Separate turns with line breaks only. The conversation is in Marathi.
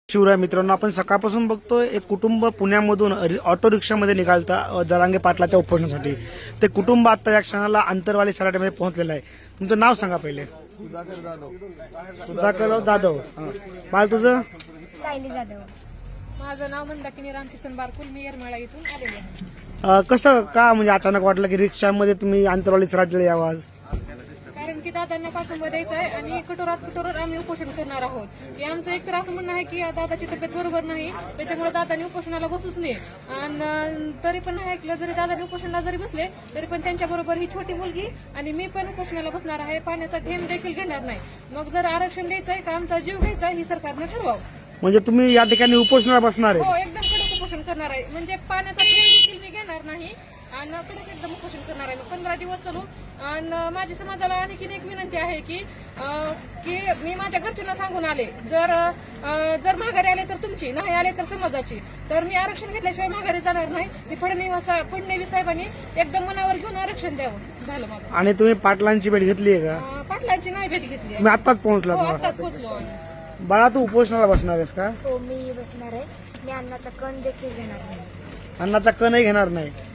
शिवराय मित्रांनो, आपण सकाळपासून बघतोय एक कुटुंब पुण्यामधून ऑटो रिक्षामध्ये निघालता जरांगे पाटलाच्या उपोषणासाठी. ते कुटुंब आता या क्षणाला आंतरवाली सराटीमध्ये पोहोचलेलं आहे. तुमचं नाव सांगा पहिले. सुधाकर जाधव. बाळ तुझं?
सायली जाधव.
माझं नाव मंदाकिनी रामकिशन बारकुल. मी येरमाळा इथून आलेले आहे.
कसं का म्हणजे अचानक वाटलं की रिक्षामध्ये तुम्ही आंतरवाली सराटीला यावं आज?
कारण की दादांना पाठिंबा द्यायचा आहे आणि कठोरात कठोर आम्ही उपोषण करणार आहोत. की आमचं एक तर असं म्हणणं आहे की दादाची तब्येत बरोबर नाही, त्याच्यामुळे दादांनी उपोषणाला बसूच नये. आणि तरी पण नाही ऐकलं, जरी दादांनी उपोषणाला जरी बसले तरी पण त्यांच्याबरोबर ही छोटी मुलगी आणि मी पण उपोषणाला बसणार आहे. पाण्याचा थेंब देखील घेणार नाही. मग जर आरक्षण द्यायचंय का आमचा जीव घ्यायचा आहे, ही सरकारनं ठरवावं.
म्हणजे तुम्ही या ठिकाणी उपोषणाला बसणार
हो,
आहे?
एकदम कडक उपोषण करणार आहे. म्हणजे पाण्याचा थेंब देखील मी घेणार नाही आणि कडक एकदम उपोषण करणार आहे. 15 दिवस चालू. आणि माझ्या समाजाला आणखीन एक विनंती आहे की मी माझ्या घरच्यांना सांगून आले, जर माघारी आले तर तुमची, नाही आले तर समाजाची, तर मी आरक्षण घेतल्याशिवाय माघारी जाणार नाही. हे फडणवीस साहेबांनी एकदम मनावर घेऊन आरक्षण द्यावं. झालं माझं.
आणि तुम्ही पाटलांची भेट घेतली आहे का?
पाटलांची नाही भेट घेतली.
तुम्ही आत्ताच पोहोचला?
आताच पोहोचलो.
बाळा, तू उपोषणाला बसणार आहेस का?
हो, मी बसणार आहे. मी अन्नाचा कण देखील घेणार नाही.
अन्नाचा कणही घेणार नाही.